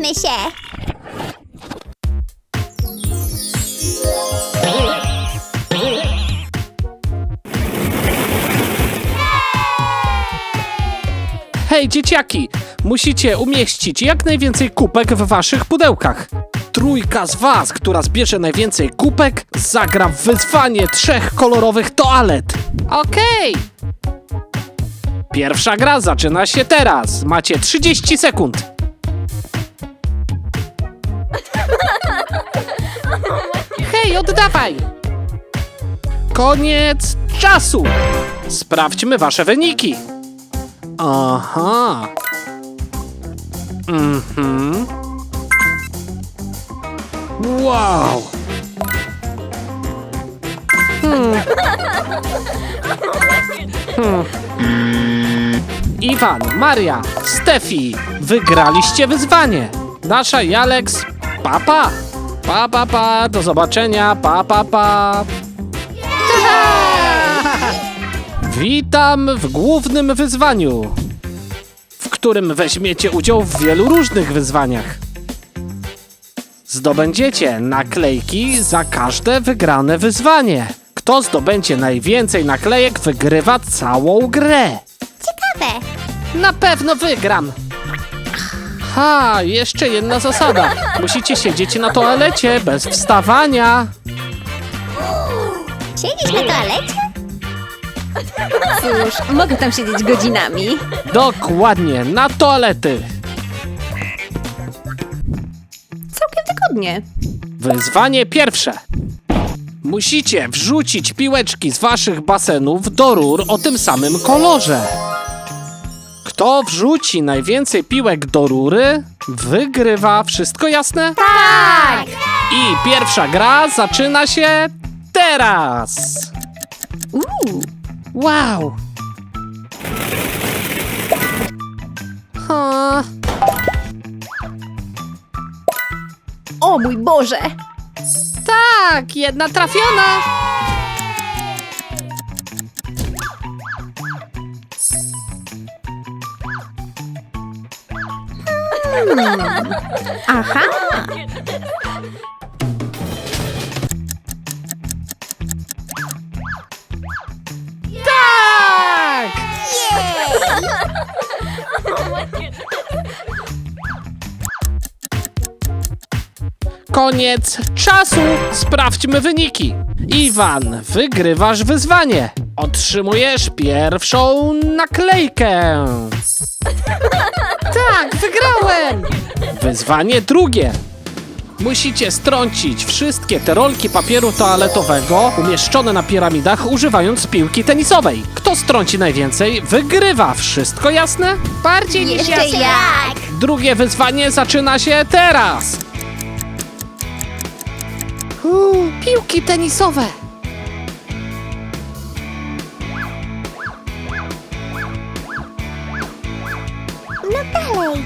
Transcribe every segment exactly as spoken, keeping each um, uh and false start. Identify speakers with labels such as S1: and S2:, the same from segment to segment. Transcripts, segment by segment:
S1: Bawmy się!
S2: Hej, dzieciaki! Musicie umieścić jak najwięcej kubek w waszych pudełkach. Trójka z was, która zbierze najwięcej kubek, zagra w wyzwanie trzech kolorowych toalet. Okej! Pierwsza gra zaczyna się teraz. Macie trzydzieści sekund. Hej, oddawaj! Koniec czasu! Sprawdźmy wasze wyniki. Aha. Mhm. Wow. Hmm. Hmm. Iwan, Maria, Stefi, wygraliście wyzwanie. Dasza i Alex, papa. Pa, pa, pa, do zobaczenia, pa, pa, pa. Witam w głównym wyzwaniu, w którym weźmiecie udział w wielu różnych wyzwaniach. Zdobędziecie naklejki za każde wygrane wyzwanie. Kto zdobędzie najwięcej naklejek, wygrywa całą grę.
S1: Ciekawe!
S2: Na pewno wygram. Ha, jeszcze jedna zasada. Musicie siedzieć na toalecie bez wstawania.
S1: Siedzisz na toalecie?
S3: Cóż, mogę tam siedzieć godzinami.
S2: Dokładnie, na toalety.
S3: Całkiem wygodnie.
S2: Wyzwanie pierwsze. Musicie wrzucić piłeczki z waszych basenów do rur o tym samym kolorze. Kto wrzuci najwięcej piłek do rury, wygrywa. Wszystko jasne?
S1: Tak!
S2: I pierwsza gra zaczyna się teraz.
S3: Uuu,
S2: Wow. Ha.
S3: o mój Boże!
S2: Tak, jedna trafiona.
S3: Aha!
S2: Tak! Koniec czasu! Sprawdźmy wyniki. Iwan, wygrywasz wyzwanie. Otrzymujesz pierwszą naklejkę. Tak, wygrałem! Wyzwanie drugie. Musicie strącić wszystkie te rolki papieru toaletowego umieszczone na piramidach, używając piłki tenisowej. Kto strąci najwięcej, wygrywa. Wszystko jasne? Bardziej niż
S1: Jeszcze
S2: jasne.
S1: jak!
S2: Drugie wyzwanie zaczyna się teraz. Uuu, piłki tenisowe.
S1: No dalej!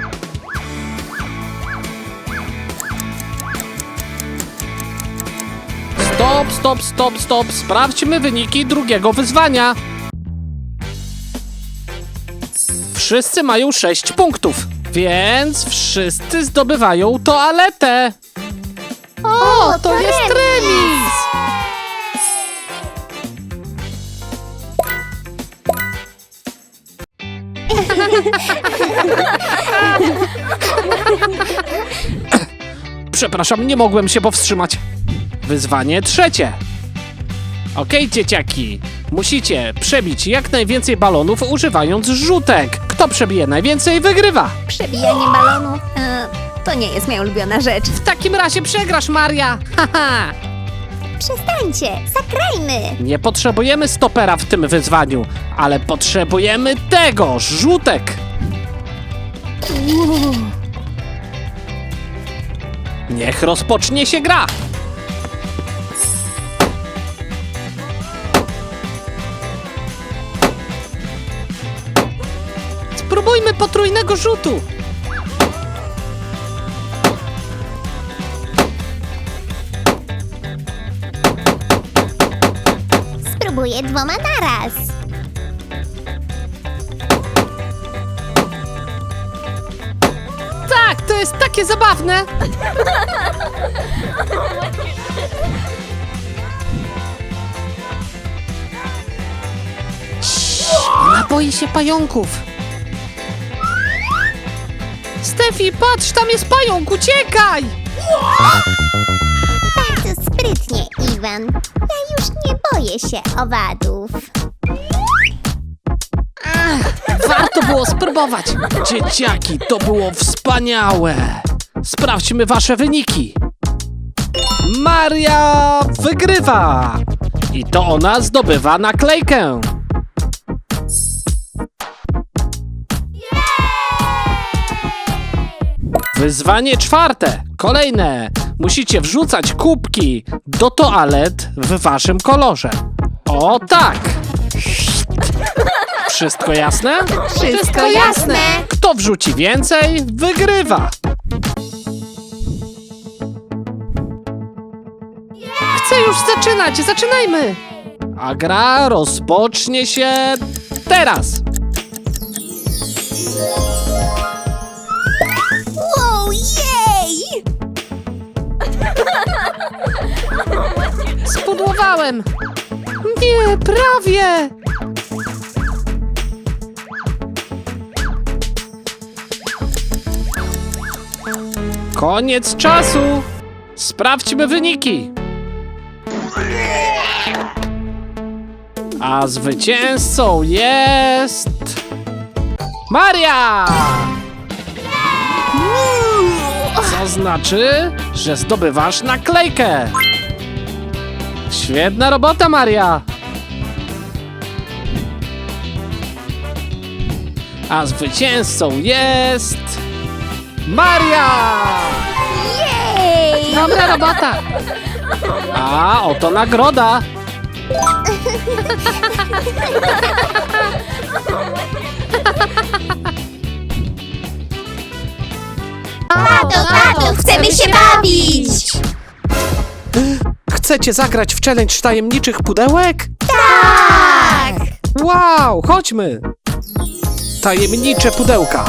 S2: Stop, stop, stop, stop. Sprawdźmy wyniki drugiego wyzwania. Wszyscy mają sześć punktów, więc wszyscy zdobywają toaletę. O, to,
S1: to
S2: jest
S1: remis.
S2: remis. Przepraszam, nie mogłem się powstrzymać. Wyzwanie trzecie. Okej, dzieciaki. Musicie przebić jak najwięcej balonów używając rzutek. Kto przebije najwięcej, wygrywa.
S1: Przebijanie balonu.
S3: E, to nie jest moja ulubiona rzecz.
S2: W takim razie przegrasz, Maria. Haha.
S1: Przestańcie! Zagrajmy!
S2: Nie potrzebujemy stopera w tym wyzwaniu, ale potrzebujemy tego, rzutek. Niech rozpocznie się gra. Spróbujmy potrójnego rzutu.
S1: Spróbuję dwoma naraz.
S2: Tak, to jest takie zabawne. Ona boi się pająków. Stefi, patrz, tam jest pająk, uciekaj!
S1: Bardzo sprytnie, Iwan. Ja już nie boję się owadów.
S2: Warto było spróbować. Dzieciaki, to było wspaniałe. Sprawdźmy wasze wyniki. Maria wygrywa. I to ona zdobywa naklejkę. Wyzwanie czwarte. Kolejne. Musicie wrzucać kubki do toalet w waszym kolorze. O tak. Wszystko jasne?
S3: Wszystko jasne.
S2: Kto wrzuci więcej, wygrywa. Chcę już zaczynać, zaczynajmy. A gra rozpocznie się teraz.
S3: Wow, jej!
S2: Spudłowałem. Nie, prawie. Koniec czasu. Sprawdźmy wyniki. A zwycięzcą jest... Maria! Co znaczy, że zdobywasz naklejkę. Świetna robota, Maria! A zwycięzcą jest... Maria!
S3: Jej!
S2: Dobra robota! A oto nagroda!
S1: Tato, tato, chcemy się bawić!
S2: Chcecie zagrać w challenge tajemniczych pudełek?
S1: Tak!
S2: Wow, chodźmy! Tajemnicze pudełka.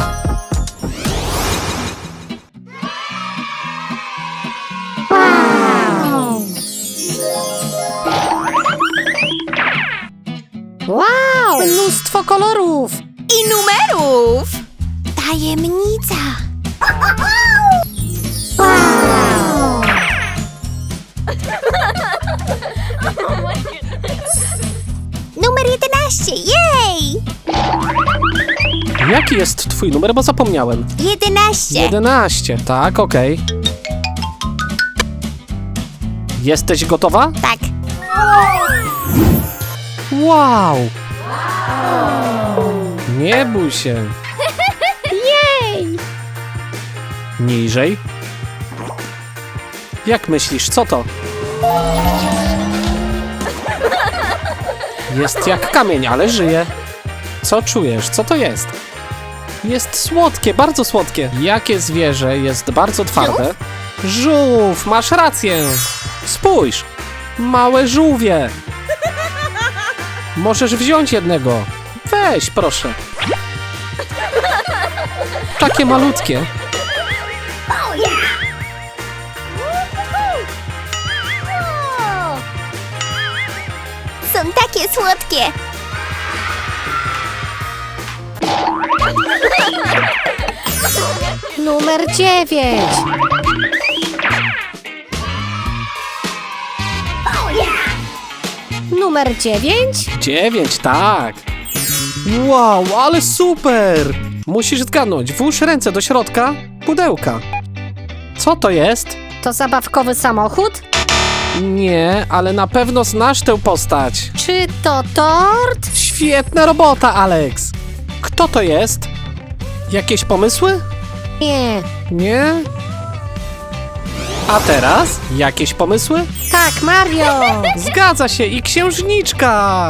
S1: Wow!
S2: Mnóstwo kolorów!
S3: I numerów!
S1: Tajemnica! Wow! Numer jedenaście, jej!
S2: Jaki jest twój numer, bo zapomniałem?
S1: jedenaście.
S2: jedenaście, tak, okej. Jesteś gotowa?
S1: Tak.
S2: Wow! Nie bój się.
S1: Jej!
S2: Niżej. Jak myślisz, co to? Jest jak kamień, ale żyje. Co czujesz? Co to jest? Jest słodkie, bardzo słodkie. Jakie zwierzę jest bardzo twarde? Żółw, masz rację. Spójrz, małe żółwie. Możesz wziąć jednego. Weź, proszę. Takie malutkie.
S1: Są takie słodkie.
S4: Numer dziewięć. Numer dziewięć?
S2: Dziewięć, tak. Wow, ale super! Musisz zgadnąć, włóż ręce do środka pudełka. Co to jest?
S4: To zabawkowy samochód?
S2: Nie, ale na pewno znasz tę postać.
S4: Czy to tort?
S2: Świetna robota, Alex! Kto to jest? Jakieś pomysły?
S4: Nie.
S2: Nie? A teraz? Jakieś pomysły?
S4: Tak, Mario!
S2: Zgadza się, i księżniczka!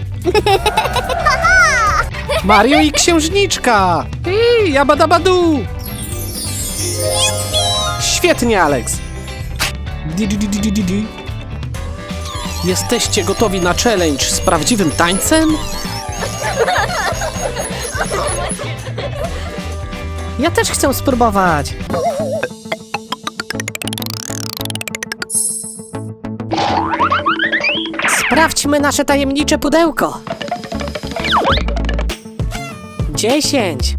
S2: Mario i księżniczka! I jabadabadu! Świetnie, Alex! Di, di, di, di, di, di. Jesteście gotowi na challenge z prawdziwym tańcem?
S4: Ja też chcę spróbować. Sprawdźmy nasze tajemnicze pudełko. Dziesięć.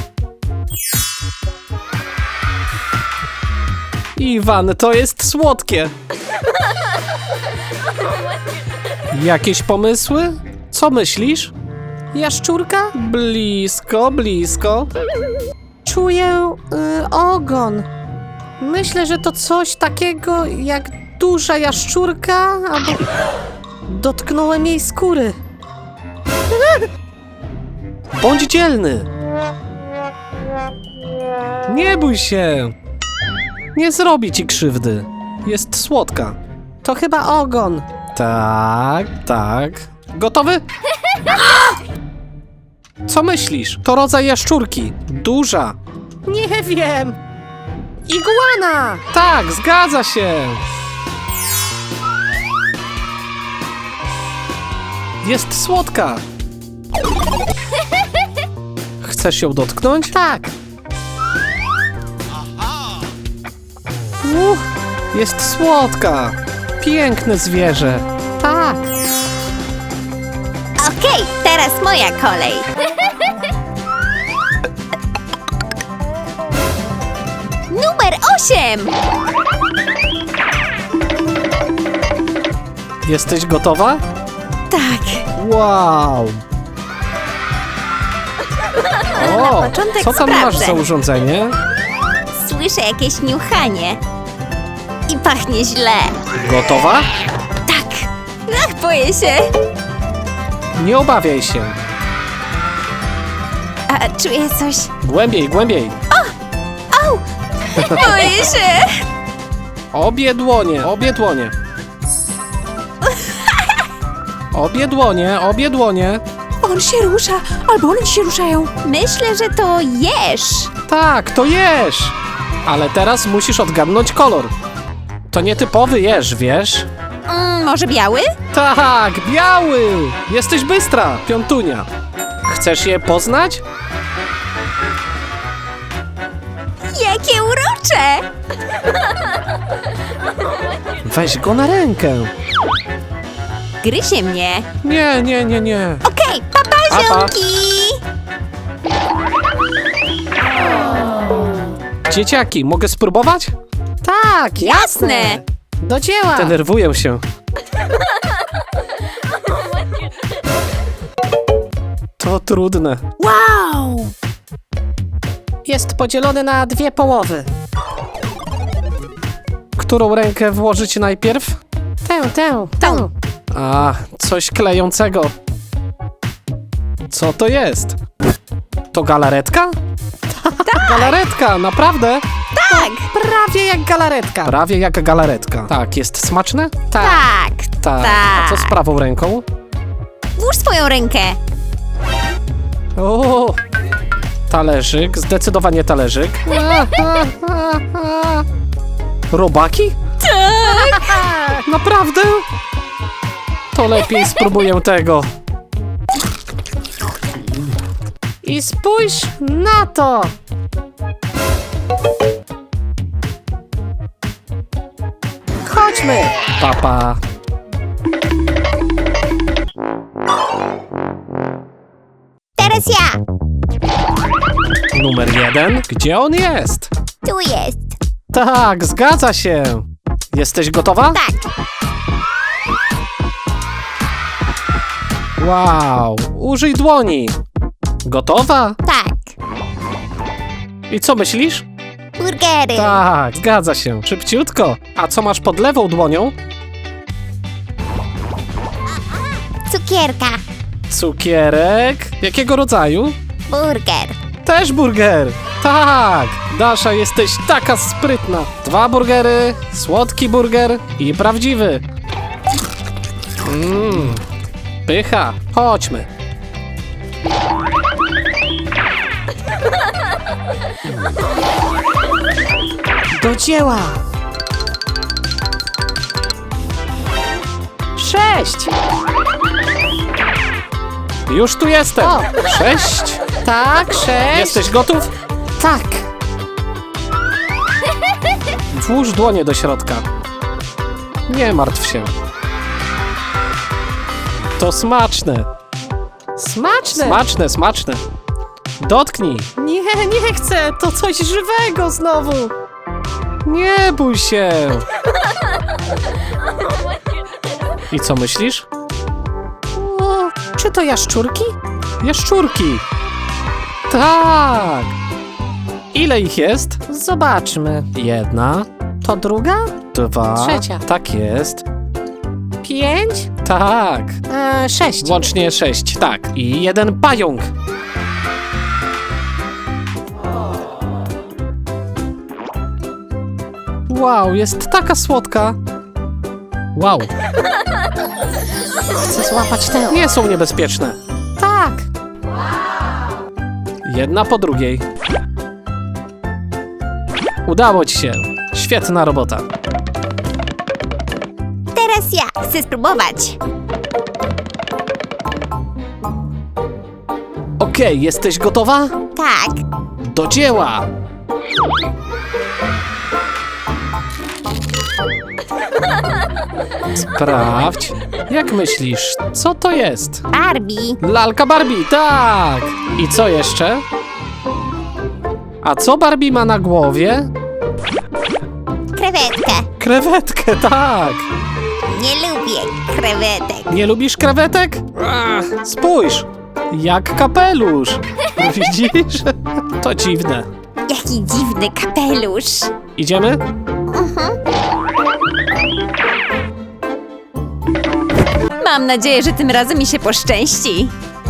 S2: Iwan, to jest słodkie. Jakieś pomysły? Co myślisz?
S4: Jaszczurka?
S2: Blisko, blisko.
S4: Czuję y, ogon. Myślę, że to coś takiego jak duża jaszczurka, albo dotknąłem jej skóry.
S2: Bądź dzielny. Nie bój się. Nie zrobi ci krzywdy. Jest słodka.
S4: To chyba ogon.
S2: Tak, tak. Gotowy? Co myślisz? To rodzaj jaszczurki. Duża.
S4: Nie wiem. Iguana!
S2: Tak, zgadza się. Jest słodka. Chcesz ją dotknąć?
S4: Tak.
S2: Uch, jest słodka. Piękne zwierzę.
S4: Tak.
S1: Okej, teraz moja kolej. Numer osiem.
S2: Jesteś gotowa?
S1: Tak.
S2: Wow. O,
S1: początek
S2: co tam masz
S1: sprawdzę.
S2: za urządzenie?
S1: Słyszę jakieś niuchanie. I pachnie źle.
S2: Gotowa?
S1: Tak. Ach, boję się.
S2: Nie obawiaj się.
S1: A czuję coś.
S2: Głębiej, głębiej.
S1: Au! Boję się.
S2: Obie dłonie, obie dłonie. Obie dłonie, obie dłonie.
S3: On się rusza, albo one się ruszają.
S1: Myślę, że to jesz.
S2: Tak, to jesz. Ale teraz musisz odgadnąć kolor. To nietypowy jeż, wiesz?
S1: Mm, może biały?
S2: Tak, biały. Jesteś bystra, piątunia. Chcesz je poznać?
S1: Jakie urocze!
S2: Weź go na rękę.
S1: Gryzie mnie.
S2: Nie, nie, nie, nie.
S1: Okej, papa,
S2: Pa, pa.
S1: ziomki!
S2: Dzieciaki, mogę spróbować?
S4: Tak, jasne.
S1: Jasne.
S4: Do dzieła.
S2: Denerwuję się. To trudne.
S3: Wow!
S4: Jest podzielony na dwie połowy.
S2: Którą rękę włożyć najpierw?
S4: Tę, tę, tę.
S2: A, coś klejącego. Co to jest? To galaretka? Tak. Galaretka, naprawdę?
S1: Tak,
S4: Prawie jak galaretka.
S2: Prawie jak galaretka. Tak, jest smaczne?
S1: tak,
S2: Tak. A co z prawą ręką?
S1: Włóż swoją rękę.
S2: O, talerzyk, zdecydowanie talerzyk. Robaki? Tak. Naprawdę? To lepiej spróbuję tego.
S4: I spójrz na to. Chodźmy.
S2: Papa.
S1: Teraz ja.
S2: Numer jeden. Gdzie on jest?
S1: Tu jest.
S2: Tak, zgadza się. Jesteś gotowa?
S1: Tak.
S2: Wow, użyj dłoni. Gotowa?
S1: Tak.
S2: I co myślisz?
S1: Burgery.
S2: Tak, zgadza się. Szybciutko. A co masz pod lewą dłonią?
S1: Cukierka.
S2: Cukierek. Jakiego rodzaju?
S1: Burger.
S2: Też burger. Tak. Dasza, jesteś taka sprytna. Dwa burgery, słodki burger i prawdziwy. Mmm. Pycha. Chodźmy.
S4: Do dzieła. Sześć.
S2: Już tu jestem.
S4: O.
S2: Sześć.
S4: Tak, sześć.
S2: Jesteś gotów?
S4: Tak.
S2: Włóż dłonie do środka. Nie martw się. To smaczne.
S4: Smaczne.
S2: Smaczne, smaczne. Dotknij.
S4: Nie, nie chcę. To coś żywego znowu.
S2: Nie bój się. I co myślisz?
S4: O, czy to jaszczurki?
S2: Jaszczurki. Tak. Ile ich jest?
S4: Zobaczmy.
S2: Jedna,
S4: To druga?
S2: dwa.
S4: Trzecia.
S2: Tak jest.
S4: Pięć?
S2: Tak.
S4: E, sześć.
S2: Łącznie sześć, tak. I jeden pająk. Wow, jest taka słodka. Wow,
S4: Chcę złapać tę.
S2: nie są niebezpieczne.
S4: Tak.
S2: Jedna po drugiej. Udało ci się. Świetna robota.
S1: Teraz ja chcę spróbować.
S2: Okej, jesteś gotowa?
S1: Tak.
S2: Do dzieła! Sprawdź. Jak myślisz, co to jest?
S1: Barbie.
S2: Lalka Barbie, tak! I co jeszcze? A co Barbie ma na głowie?
S1: Krewetkę.
S2: Krewetkę, tak!
S1: Nie lubię krewetek.
S2: Nie lubisz krewetek? Ach, spójrz! Jak kapelusz! Widzisz? To dziwne.
S1: Jaki dziwny kapelusz.
S2: Idziemy?
S1: Mam nadzieję, że tym razem mi się poszczęści.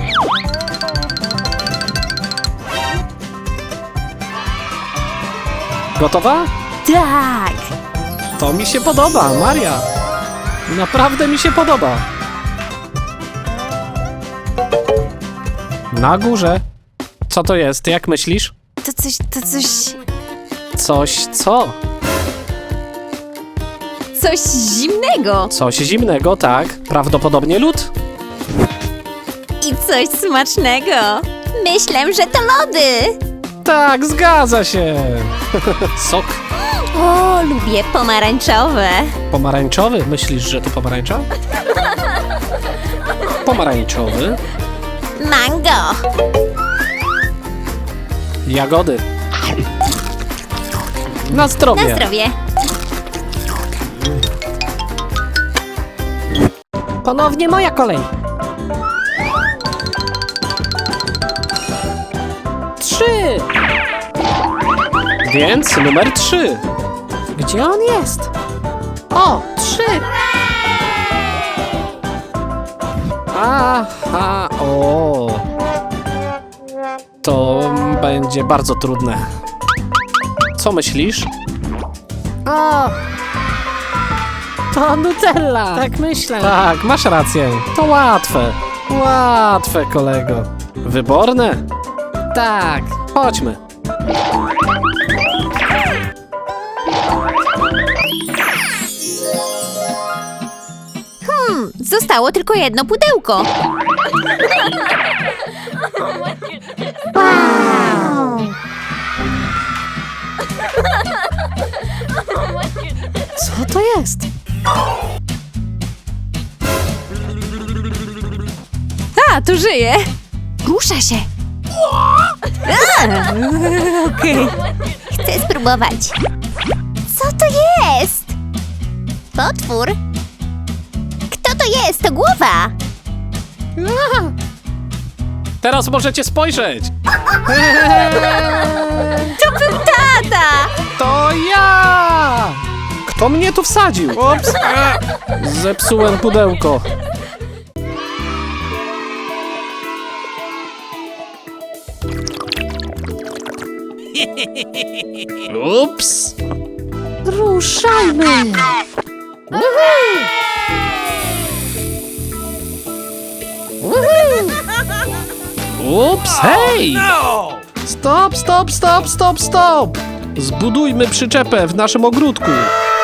S2: Gotowa?
S1: Tak.
S2: To mi się podoba, Maria. Naprawdę mi się podoba. Na górze. Co to jest? Jak myślisz?
S1: To coś, to coś,
S2: Coś co?
S1: coś zimnego.
S2: Coś zimnego, tak. Prawdopodobnie lód.
S1: I coś smacznego. Myślę, że to lody.
S2: Tak, zgadza się. Sok
S1: O, lubię pomarańczowe.
S2: pomarańczowy. Myślisz, że to pomarańcza? Pomarańczowy.
S1: Mango.
S2: Jagody. Na zdrowie.
S1: Na zdrowie.
S4: Ponownie moja kolej. Trzy.
S2: Więc numer trzy.
S4: Gdzie on jest? O, trzy.
S2: Aha, o. To będzie bardzo trudne. Co myślisz?
S4: O. To Nutella. Tak myślę.
S2: Tak, masz rację. To łatwe. Łatwe, kolego. Wyborne?
S4: Tak.
S2: Chodźmy.
S1: Hmm, zostało tylko jedno pudełko. Wow.
S4: Co to jest?
S1: A, tu żyje. Rusza się. A, Okej. Chcę spróbować. Co to jest? Potwór? Kto to jest? To głowa.
S2: Teraz możecie spojrzeć.
S1: To był tata.
S2: To ja! Kto mnie tu wsadził? Ups. Zepsułem pudełko. Ups.
S4: Ruszajmy.
S2: Ups, hej! Stop, stop, stop, stop, stop! Zbudujmy przyczepę w naszym ogródku.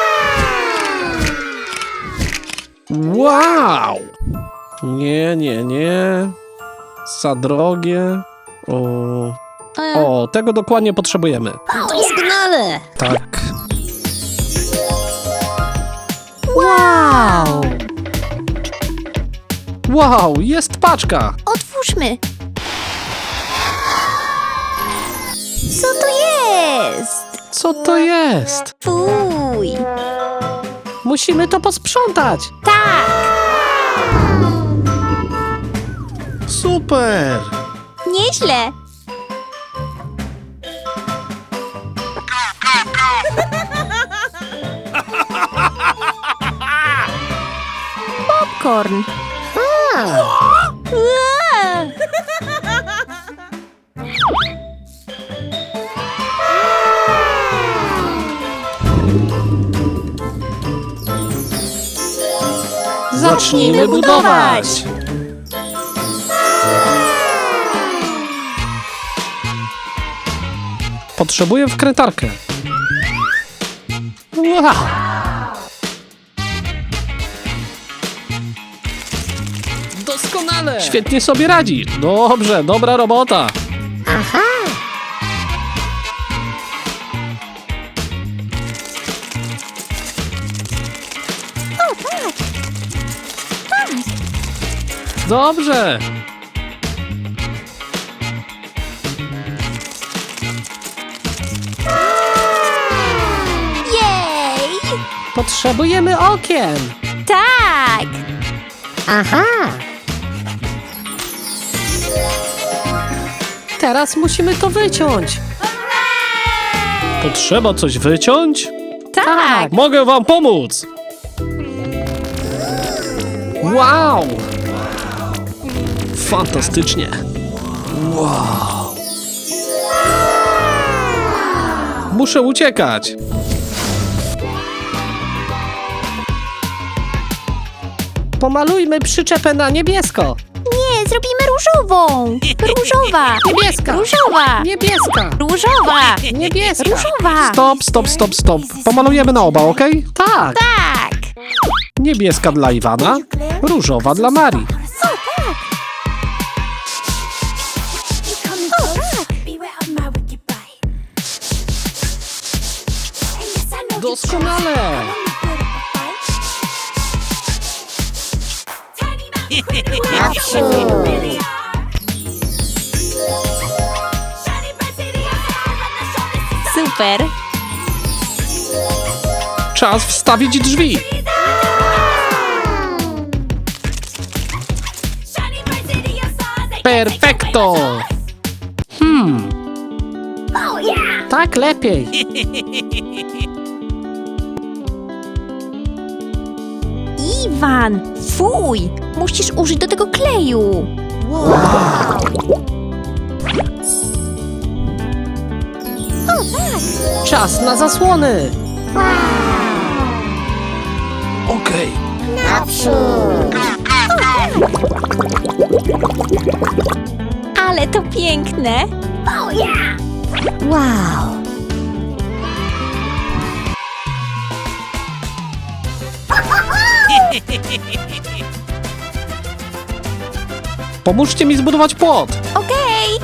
S2: Wow! Nie, nie, nie. Za drogie. O, O, tego dokładnie potrzebujemy.
S1: Doskonale!
S2: Tak.
S4: Wow!
S2: Wow, jest paczka.
S1: Otwórzmy. Co to jest?
S2: Co to jest?
S1: Fuj.
S4: Musimy to posprzątać.
S1: Tak.
S2: Super.
S1: Nieźle. Popcorn. Ua.
S2: Zacznijmy budować. Potrzebuję wkrętarkę. Wow.
S4: Doskonale.
S2: Świetnie sobie radzi. Dobrze, dobra robota.
S1: Aha.
S2: Dobrze.
S1: Jej.
S4: Potrzebujemy okien.
S1: Tak. Aha.
S4: Teraz musimy to wyciąć.
S2: Potrzeba coś wyciąć?
S1: Tak.
S2: Mogę wam pomóc. Wow. Fantastycznie. Wow. Muszę uciekać.
S4: Pomalujmy przyczepę na niebiesko.
S1: Nie, zrobimy różową. Różowa.
S4: Niebieska.
S1: Różowa.
S4: Niebieska.
S1: Różowa.
S4: Niebieska.
S1: Różowa.
S2: Stop, stop, stop, stop. Pomalujemy na oba, ok?
S4: Tak.
S1: Tak.
S2: Niebieska dla Iwana, różowa dla Marii.
S4: Doskonale.
S1: Super.
S2: Czas wstawić drzwi. Perfekto. Hmm,
S4: Tak lepiej.
S1: Iwan, fuj. Musisz użyć do tego kleju.
S4: Czas na zasłony.
S2: okej.
S1: Ale to piękne. Wow.
S2: Pomóżcie mi zbudować płot.
S1: Okej.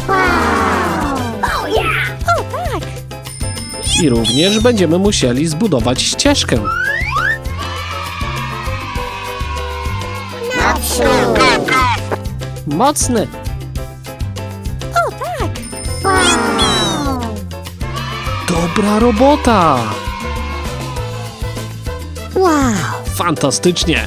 S1: O tak.
S2: I również będziemy musieli zbudować ścieżkę.
S4: Mocny.
S1: O tak.
S2: Dobra robota.
S1: Wow.
S2: Fantastycznie.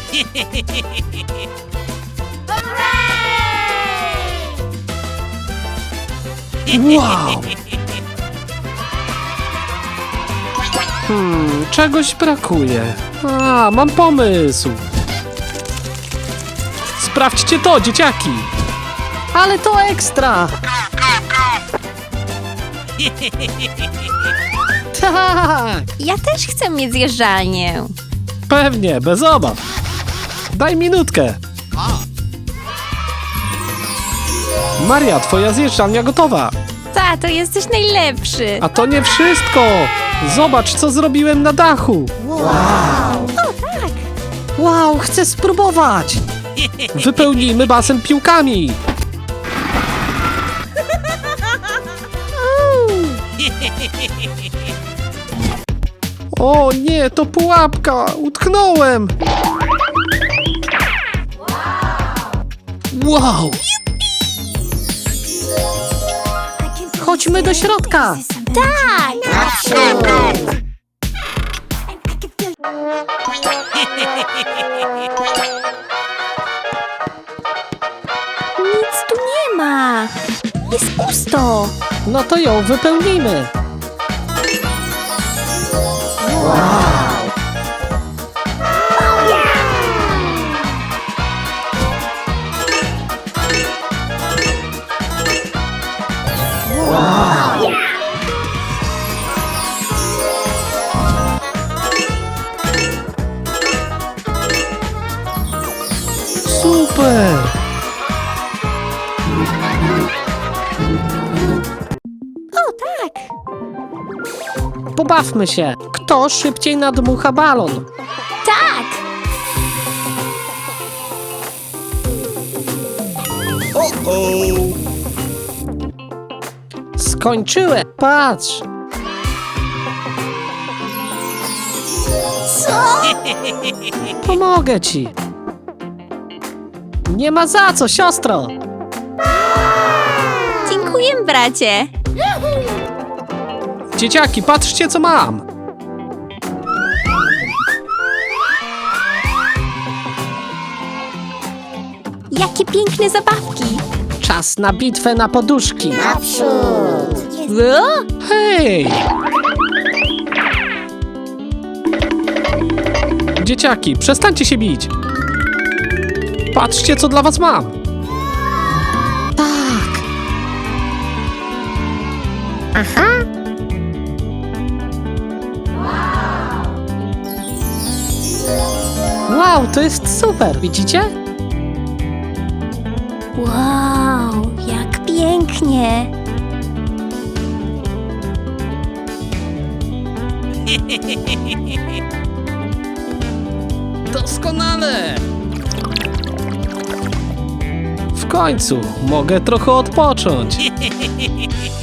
S2: Wow. Hmm, czegoś brakuje. A, mam pomysł. Sprawdźcie to, dzieciaki.
S4: Ale to ekstra. Tak.
S1: Ja też chcę mieć zjeżdżalnię.
S2: Pewnie, bez obaw. Daj minutkę. Maria, twoja zjeżdżalnia gotowa.
S1: Tato, jesteś najlepszy.
S2: A to nie wszystko. Zobacz, co zrobiłem na dachu.
S4: Wow, chcę spróbować.
S2: O nie, to pułapka! Utknąłem! Wow!
S4: Chodźmy do środka.
S1: Tak! Naprzód! Nic tu nie ma! Jest pusto!
S4: No to ją wypełnijmy.
S2: Super!
S1: O tak!
S4: Pobawmy się. Kto szybciej nadmucha balon?
S1: Tak!
S4: Skończyłem. Patrz.
S1: Co?
S4: Pomogę ci. Nie ma za co, siostro.
S1: Dziękuję, bracie!
S2: Dzieciaki, patrzcie co mam!
S1: Jakie piękne zabawki!
S4: Czas na bitwę na poduszki.
S1: Naprzód! O?
S2: Hej! Dzieciaki, przestańcie się bić! Patrzcie co dla was mam!
S4: Tak.
S1: Aha!
S4: Wow, to jest super. Widzicie?
S1: Wow, jak pięknie!
S2: Doskonale! W końcu mogę trochę odpocząć.